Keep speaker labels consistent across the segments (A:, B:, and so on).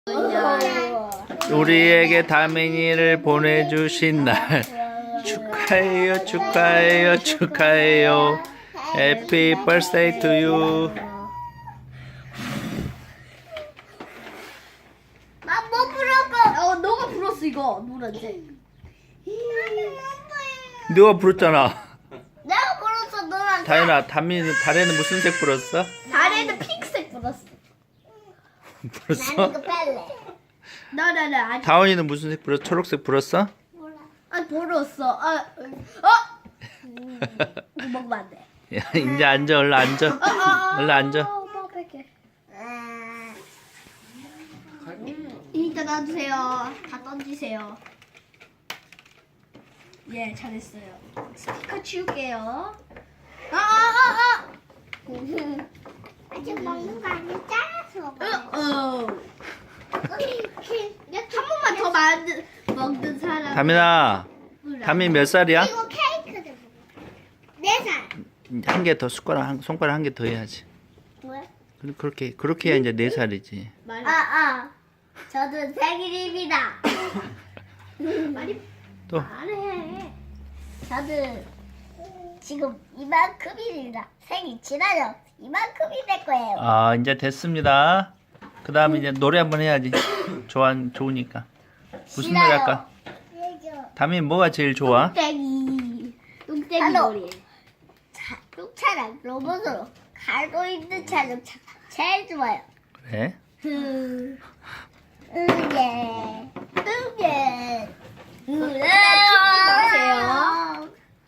A: 우리에게 다민이를 보내주신 날 축하해요, 축하해요, 축하해요. Happy birthday to you.
B: 나 뭐 부를까? 너가 불었어 이거 노란색.
A: 누가 부르잖아.
B: 내가 불었어 노란색.
A: 다현아, 달에는 무슨 색 불었어?
B: 달에는 핑크색 불었어.
A: 불었어?
B: 빨래. 나나나 아직
A: 다원이는 무슨 색 불었어? 초록색 불었어?
B: 몰라. 아 불었어. 이거 먹으면 안 돼.
A: 야, 이제 앉아, 얼른 앉아. 얼른 앉아.
B: 엄마 뺄게. 일단 놔주세요. 다 던지세요. 예, 잘했어요. 스피커 치울게요.
C: 아직 먹는 거 아니야? 잘라서
B: 한 번만 더 먹는 사람.
A: 다민아, 다민 몇 살이야?
C: 이거 케이크도 먹어. 4살.
A: 한 개 더 손가락 한 개 더 해야지.
C: 뭐야?
A: 그렇게 해야 이제 4살이지.
C: 저도 생일입니다.
B: 말이
A: 또
B: 말해.
C: 저도 지금 이만큼입니다. 생일 지나죠? 이만큼이 될 거예요.
A: 아, 이제 됐습니다. 그 다음에 이제 노래 한번 해야지. 좋으니까. 무슨 노래 할까? 다민 뭐가 제일 좋아?
B: 뚱땡이
C: 알로.
B: 놀이.
C: 똥차랑 로봇으로 갈고 있는 자동차 제일 좋아요.
A: 그래?
C: 응예.
B: 마세요.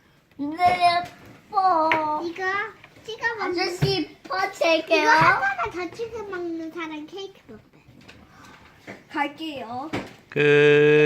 C: 이거 찍어 먹는
B: 아저씨
C: 이거
B: 퍼칠게요.
C: 하나만 더 찍어 먹는 사람 케이크 먹대.
B: 갈게요.
A: 끝.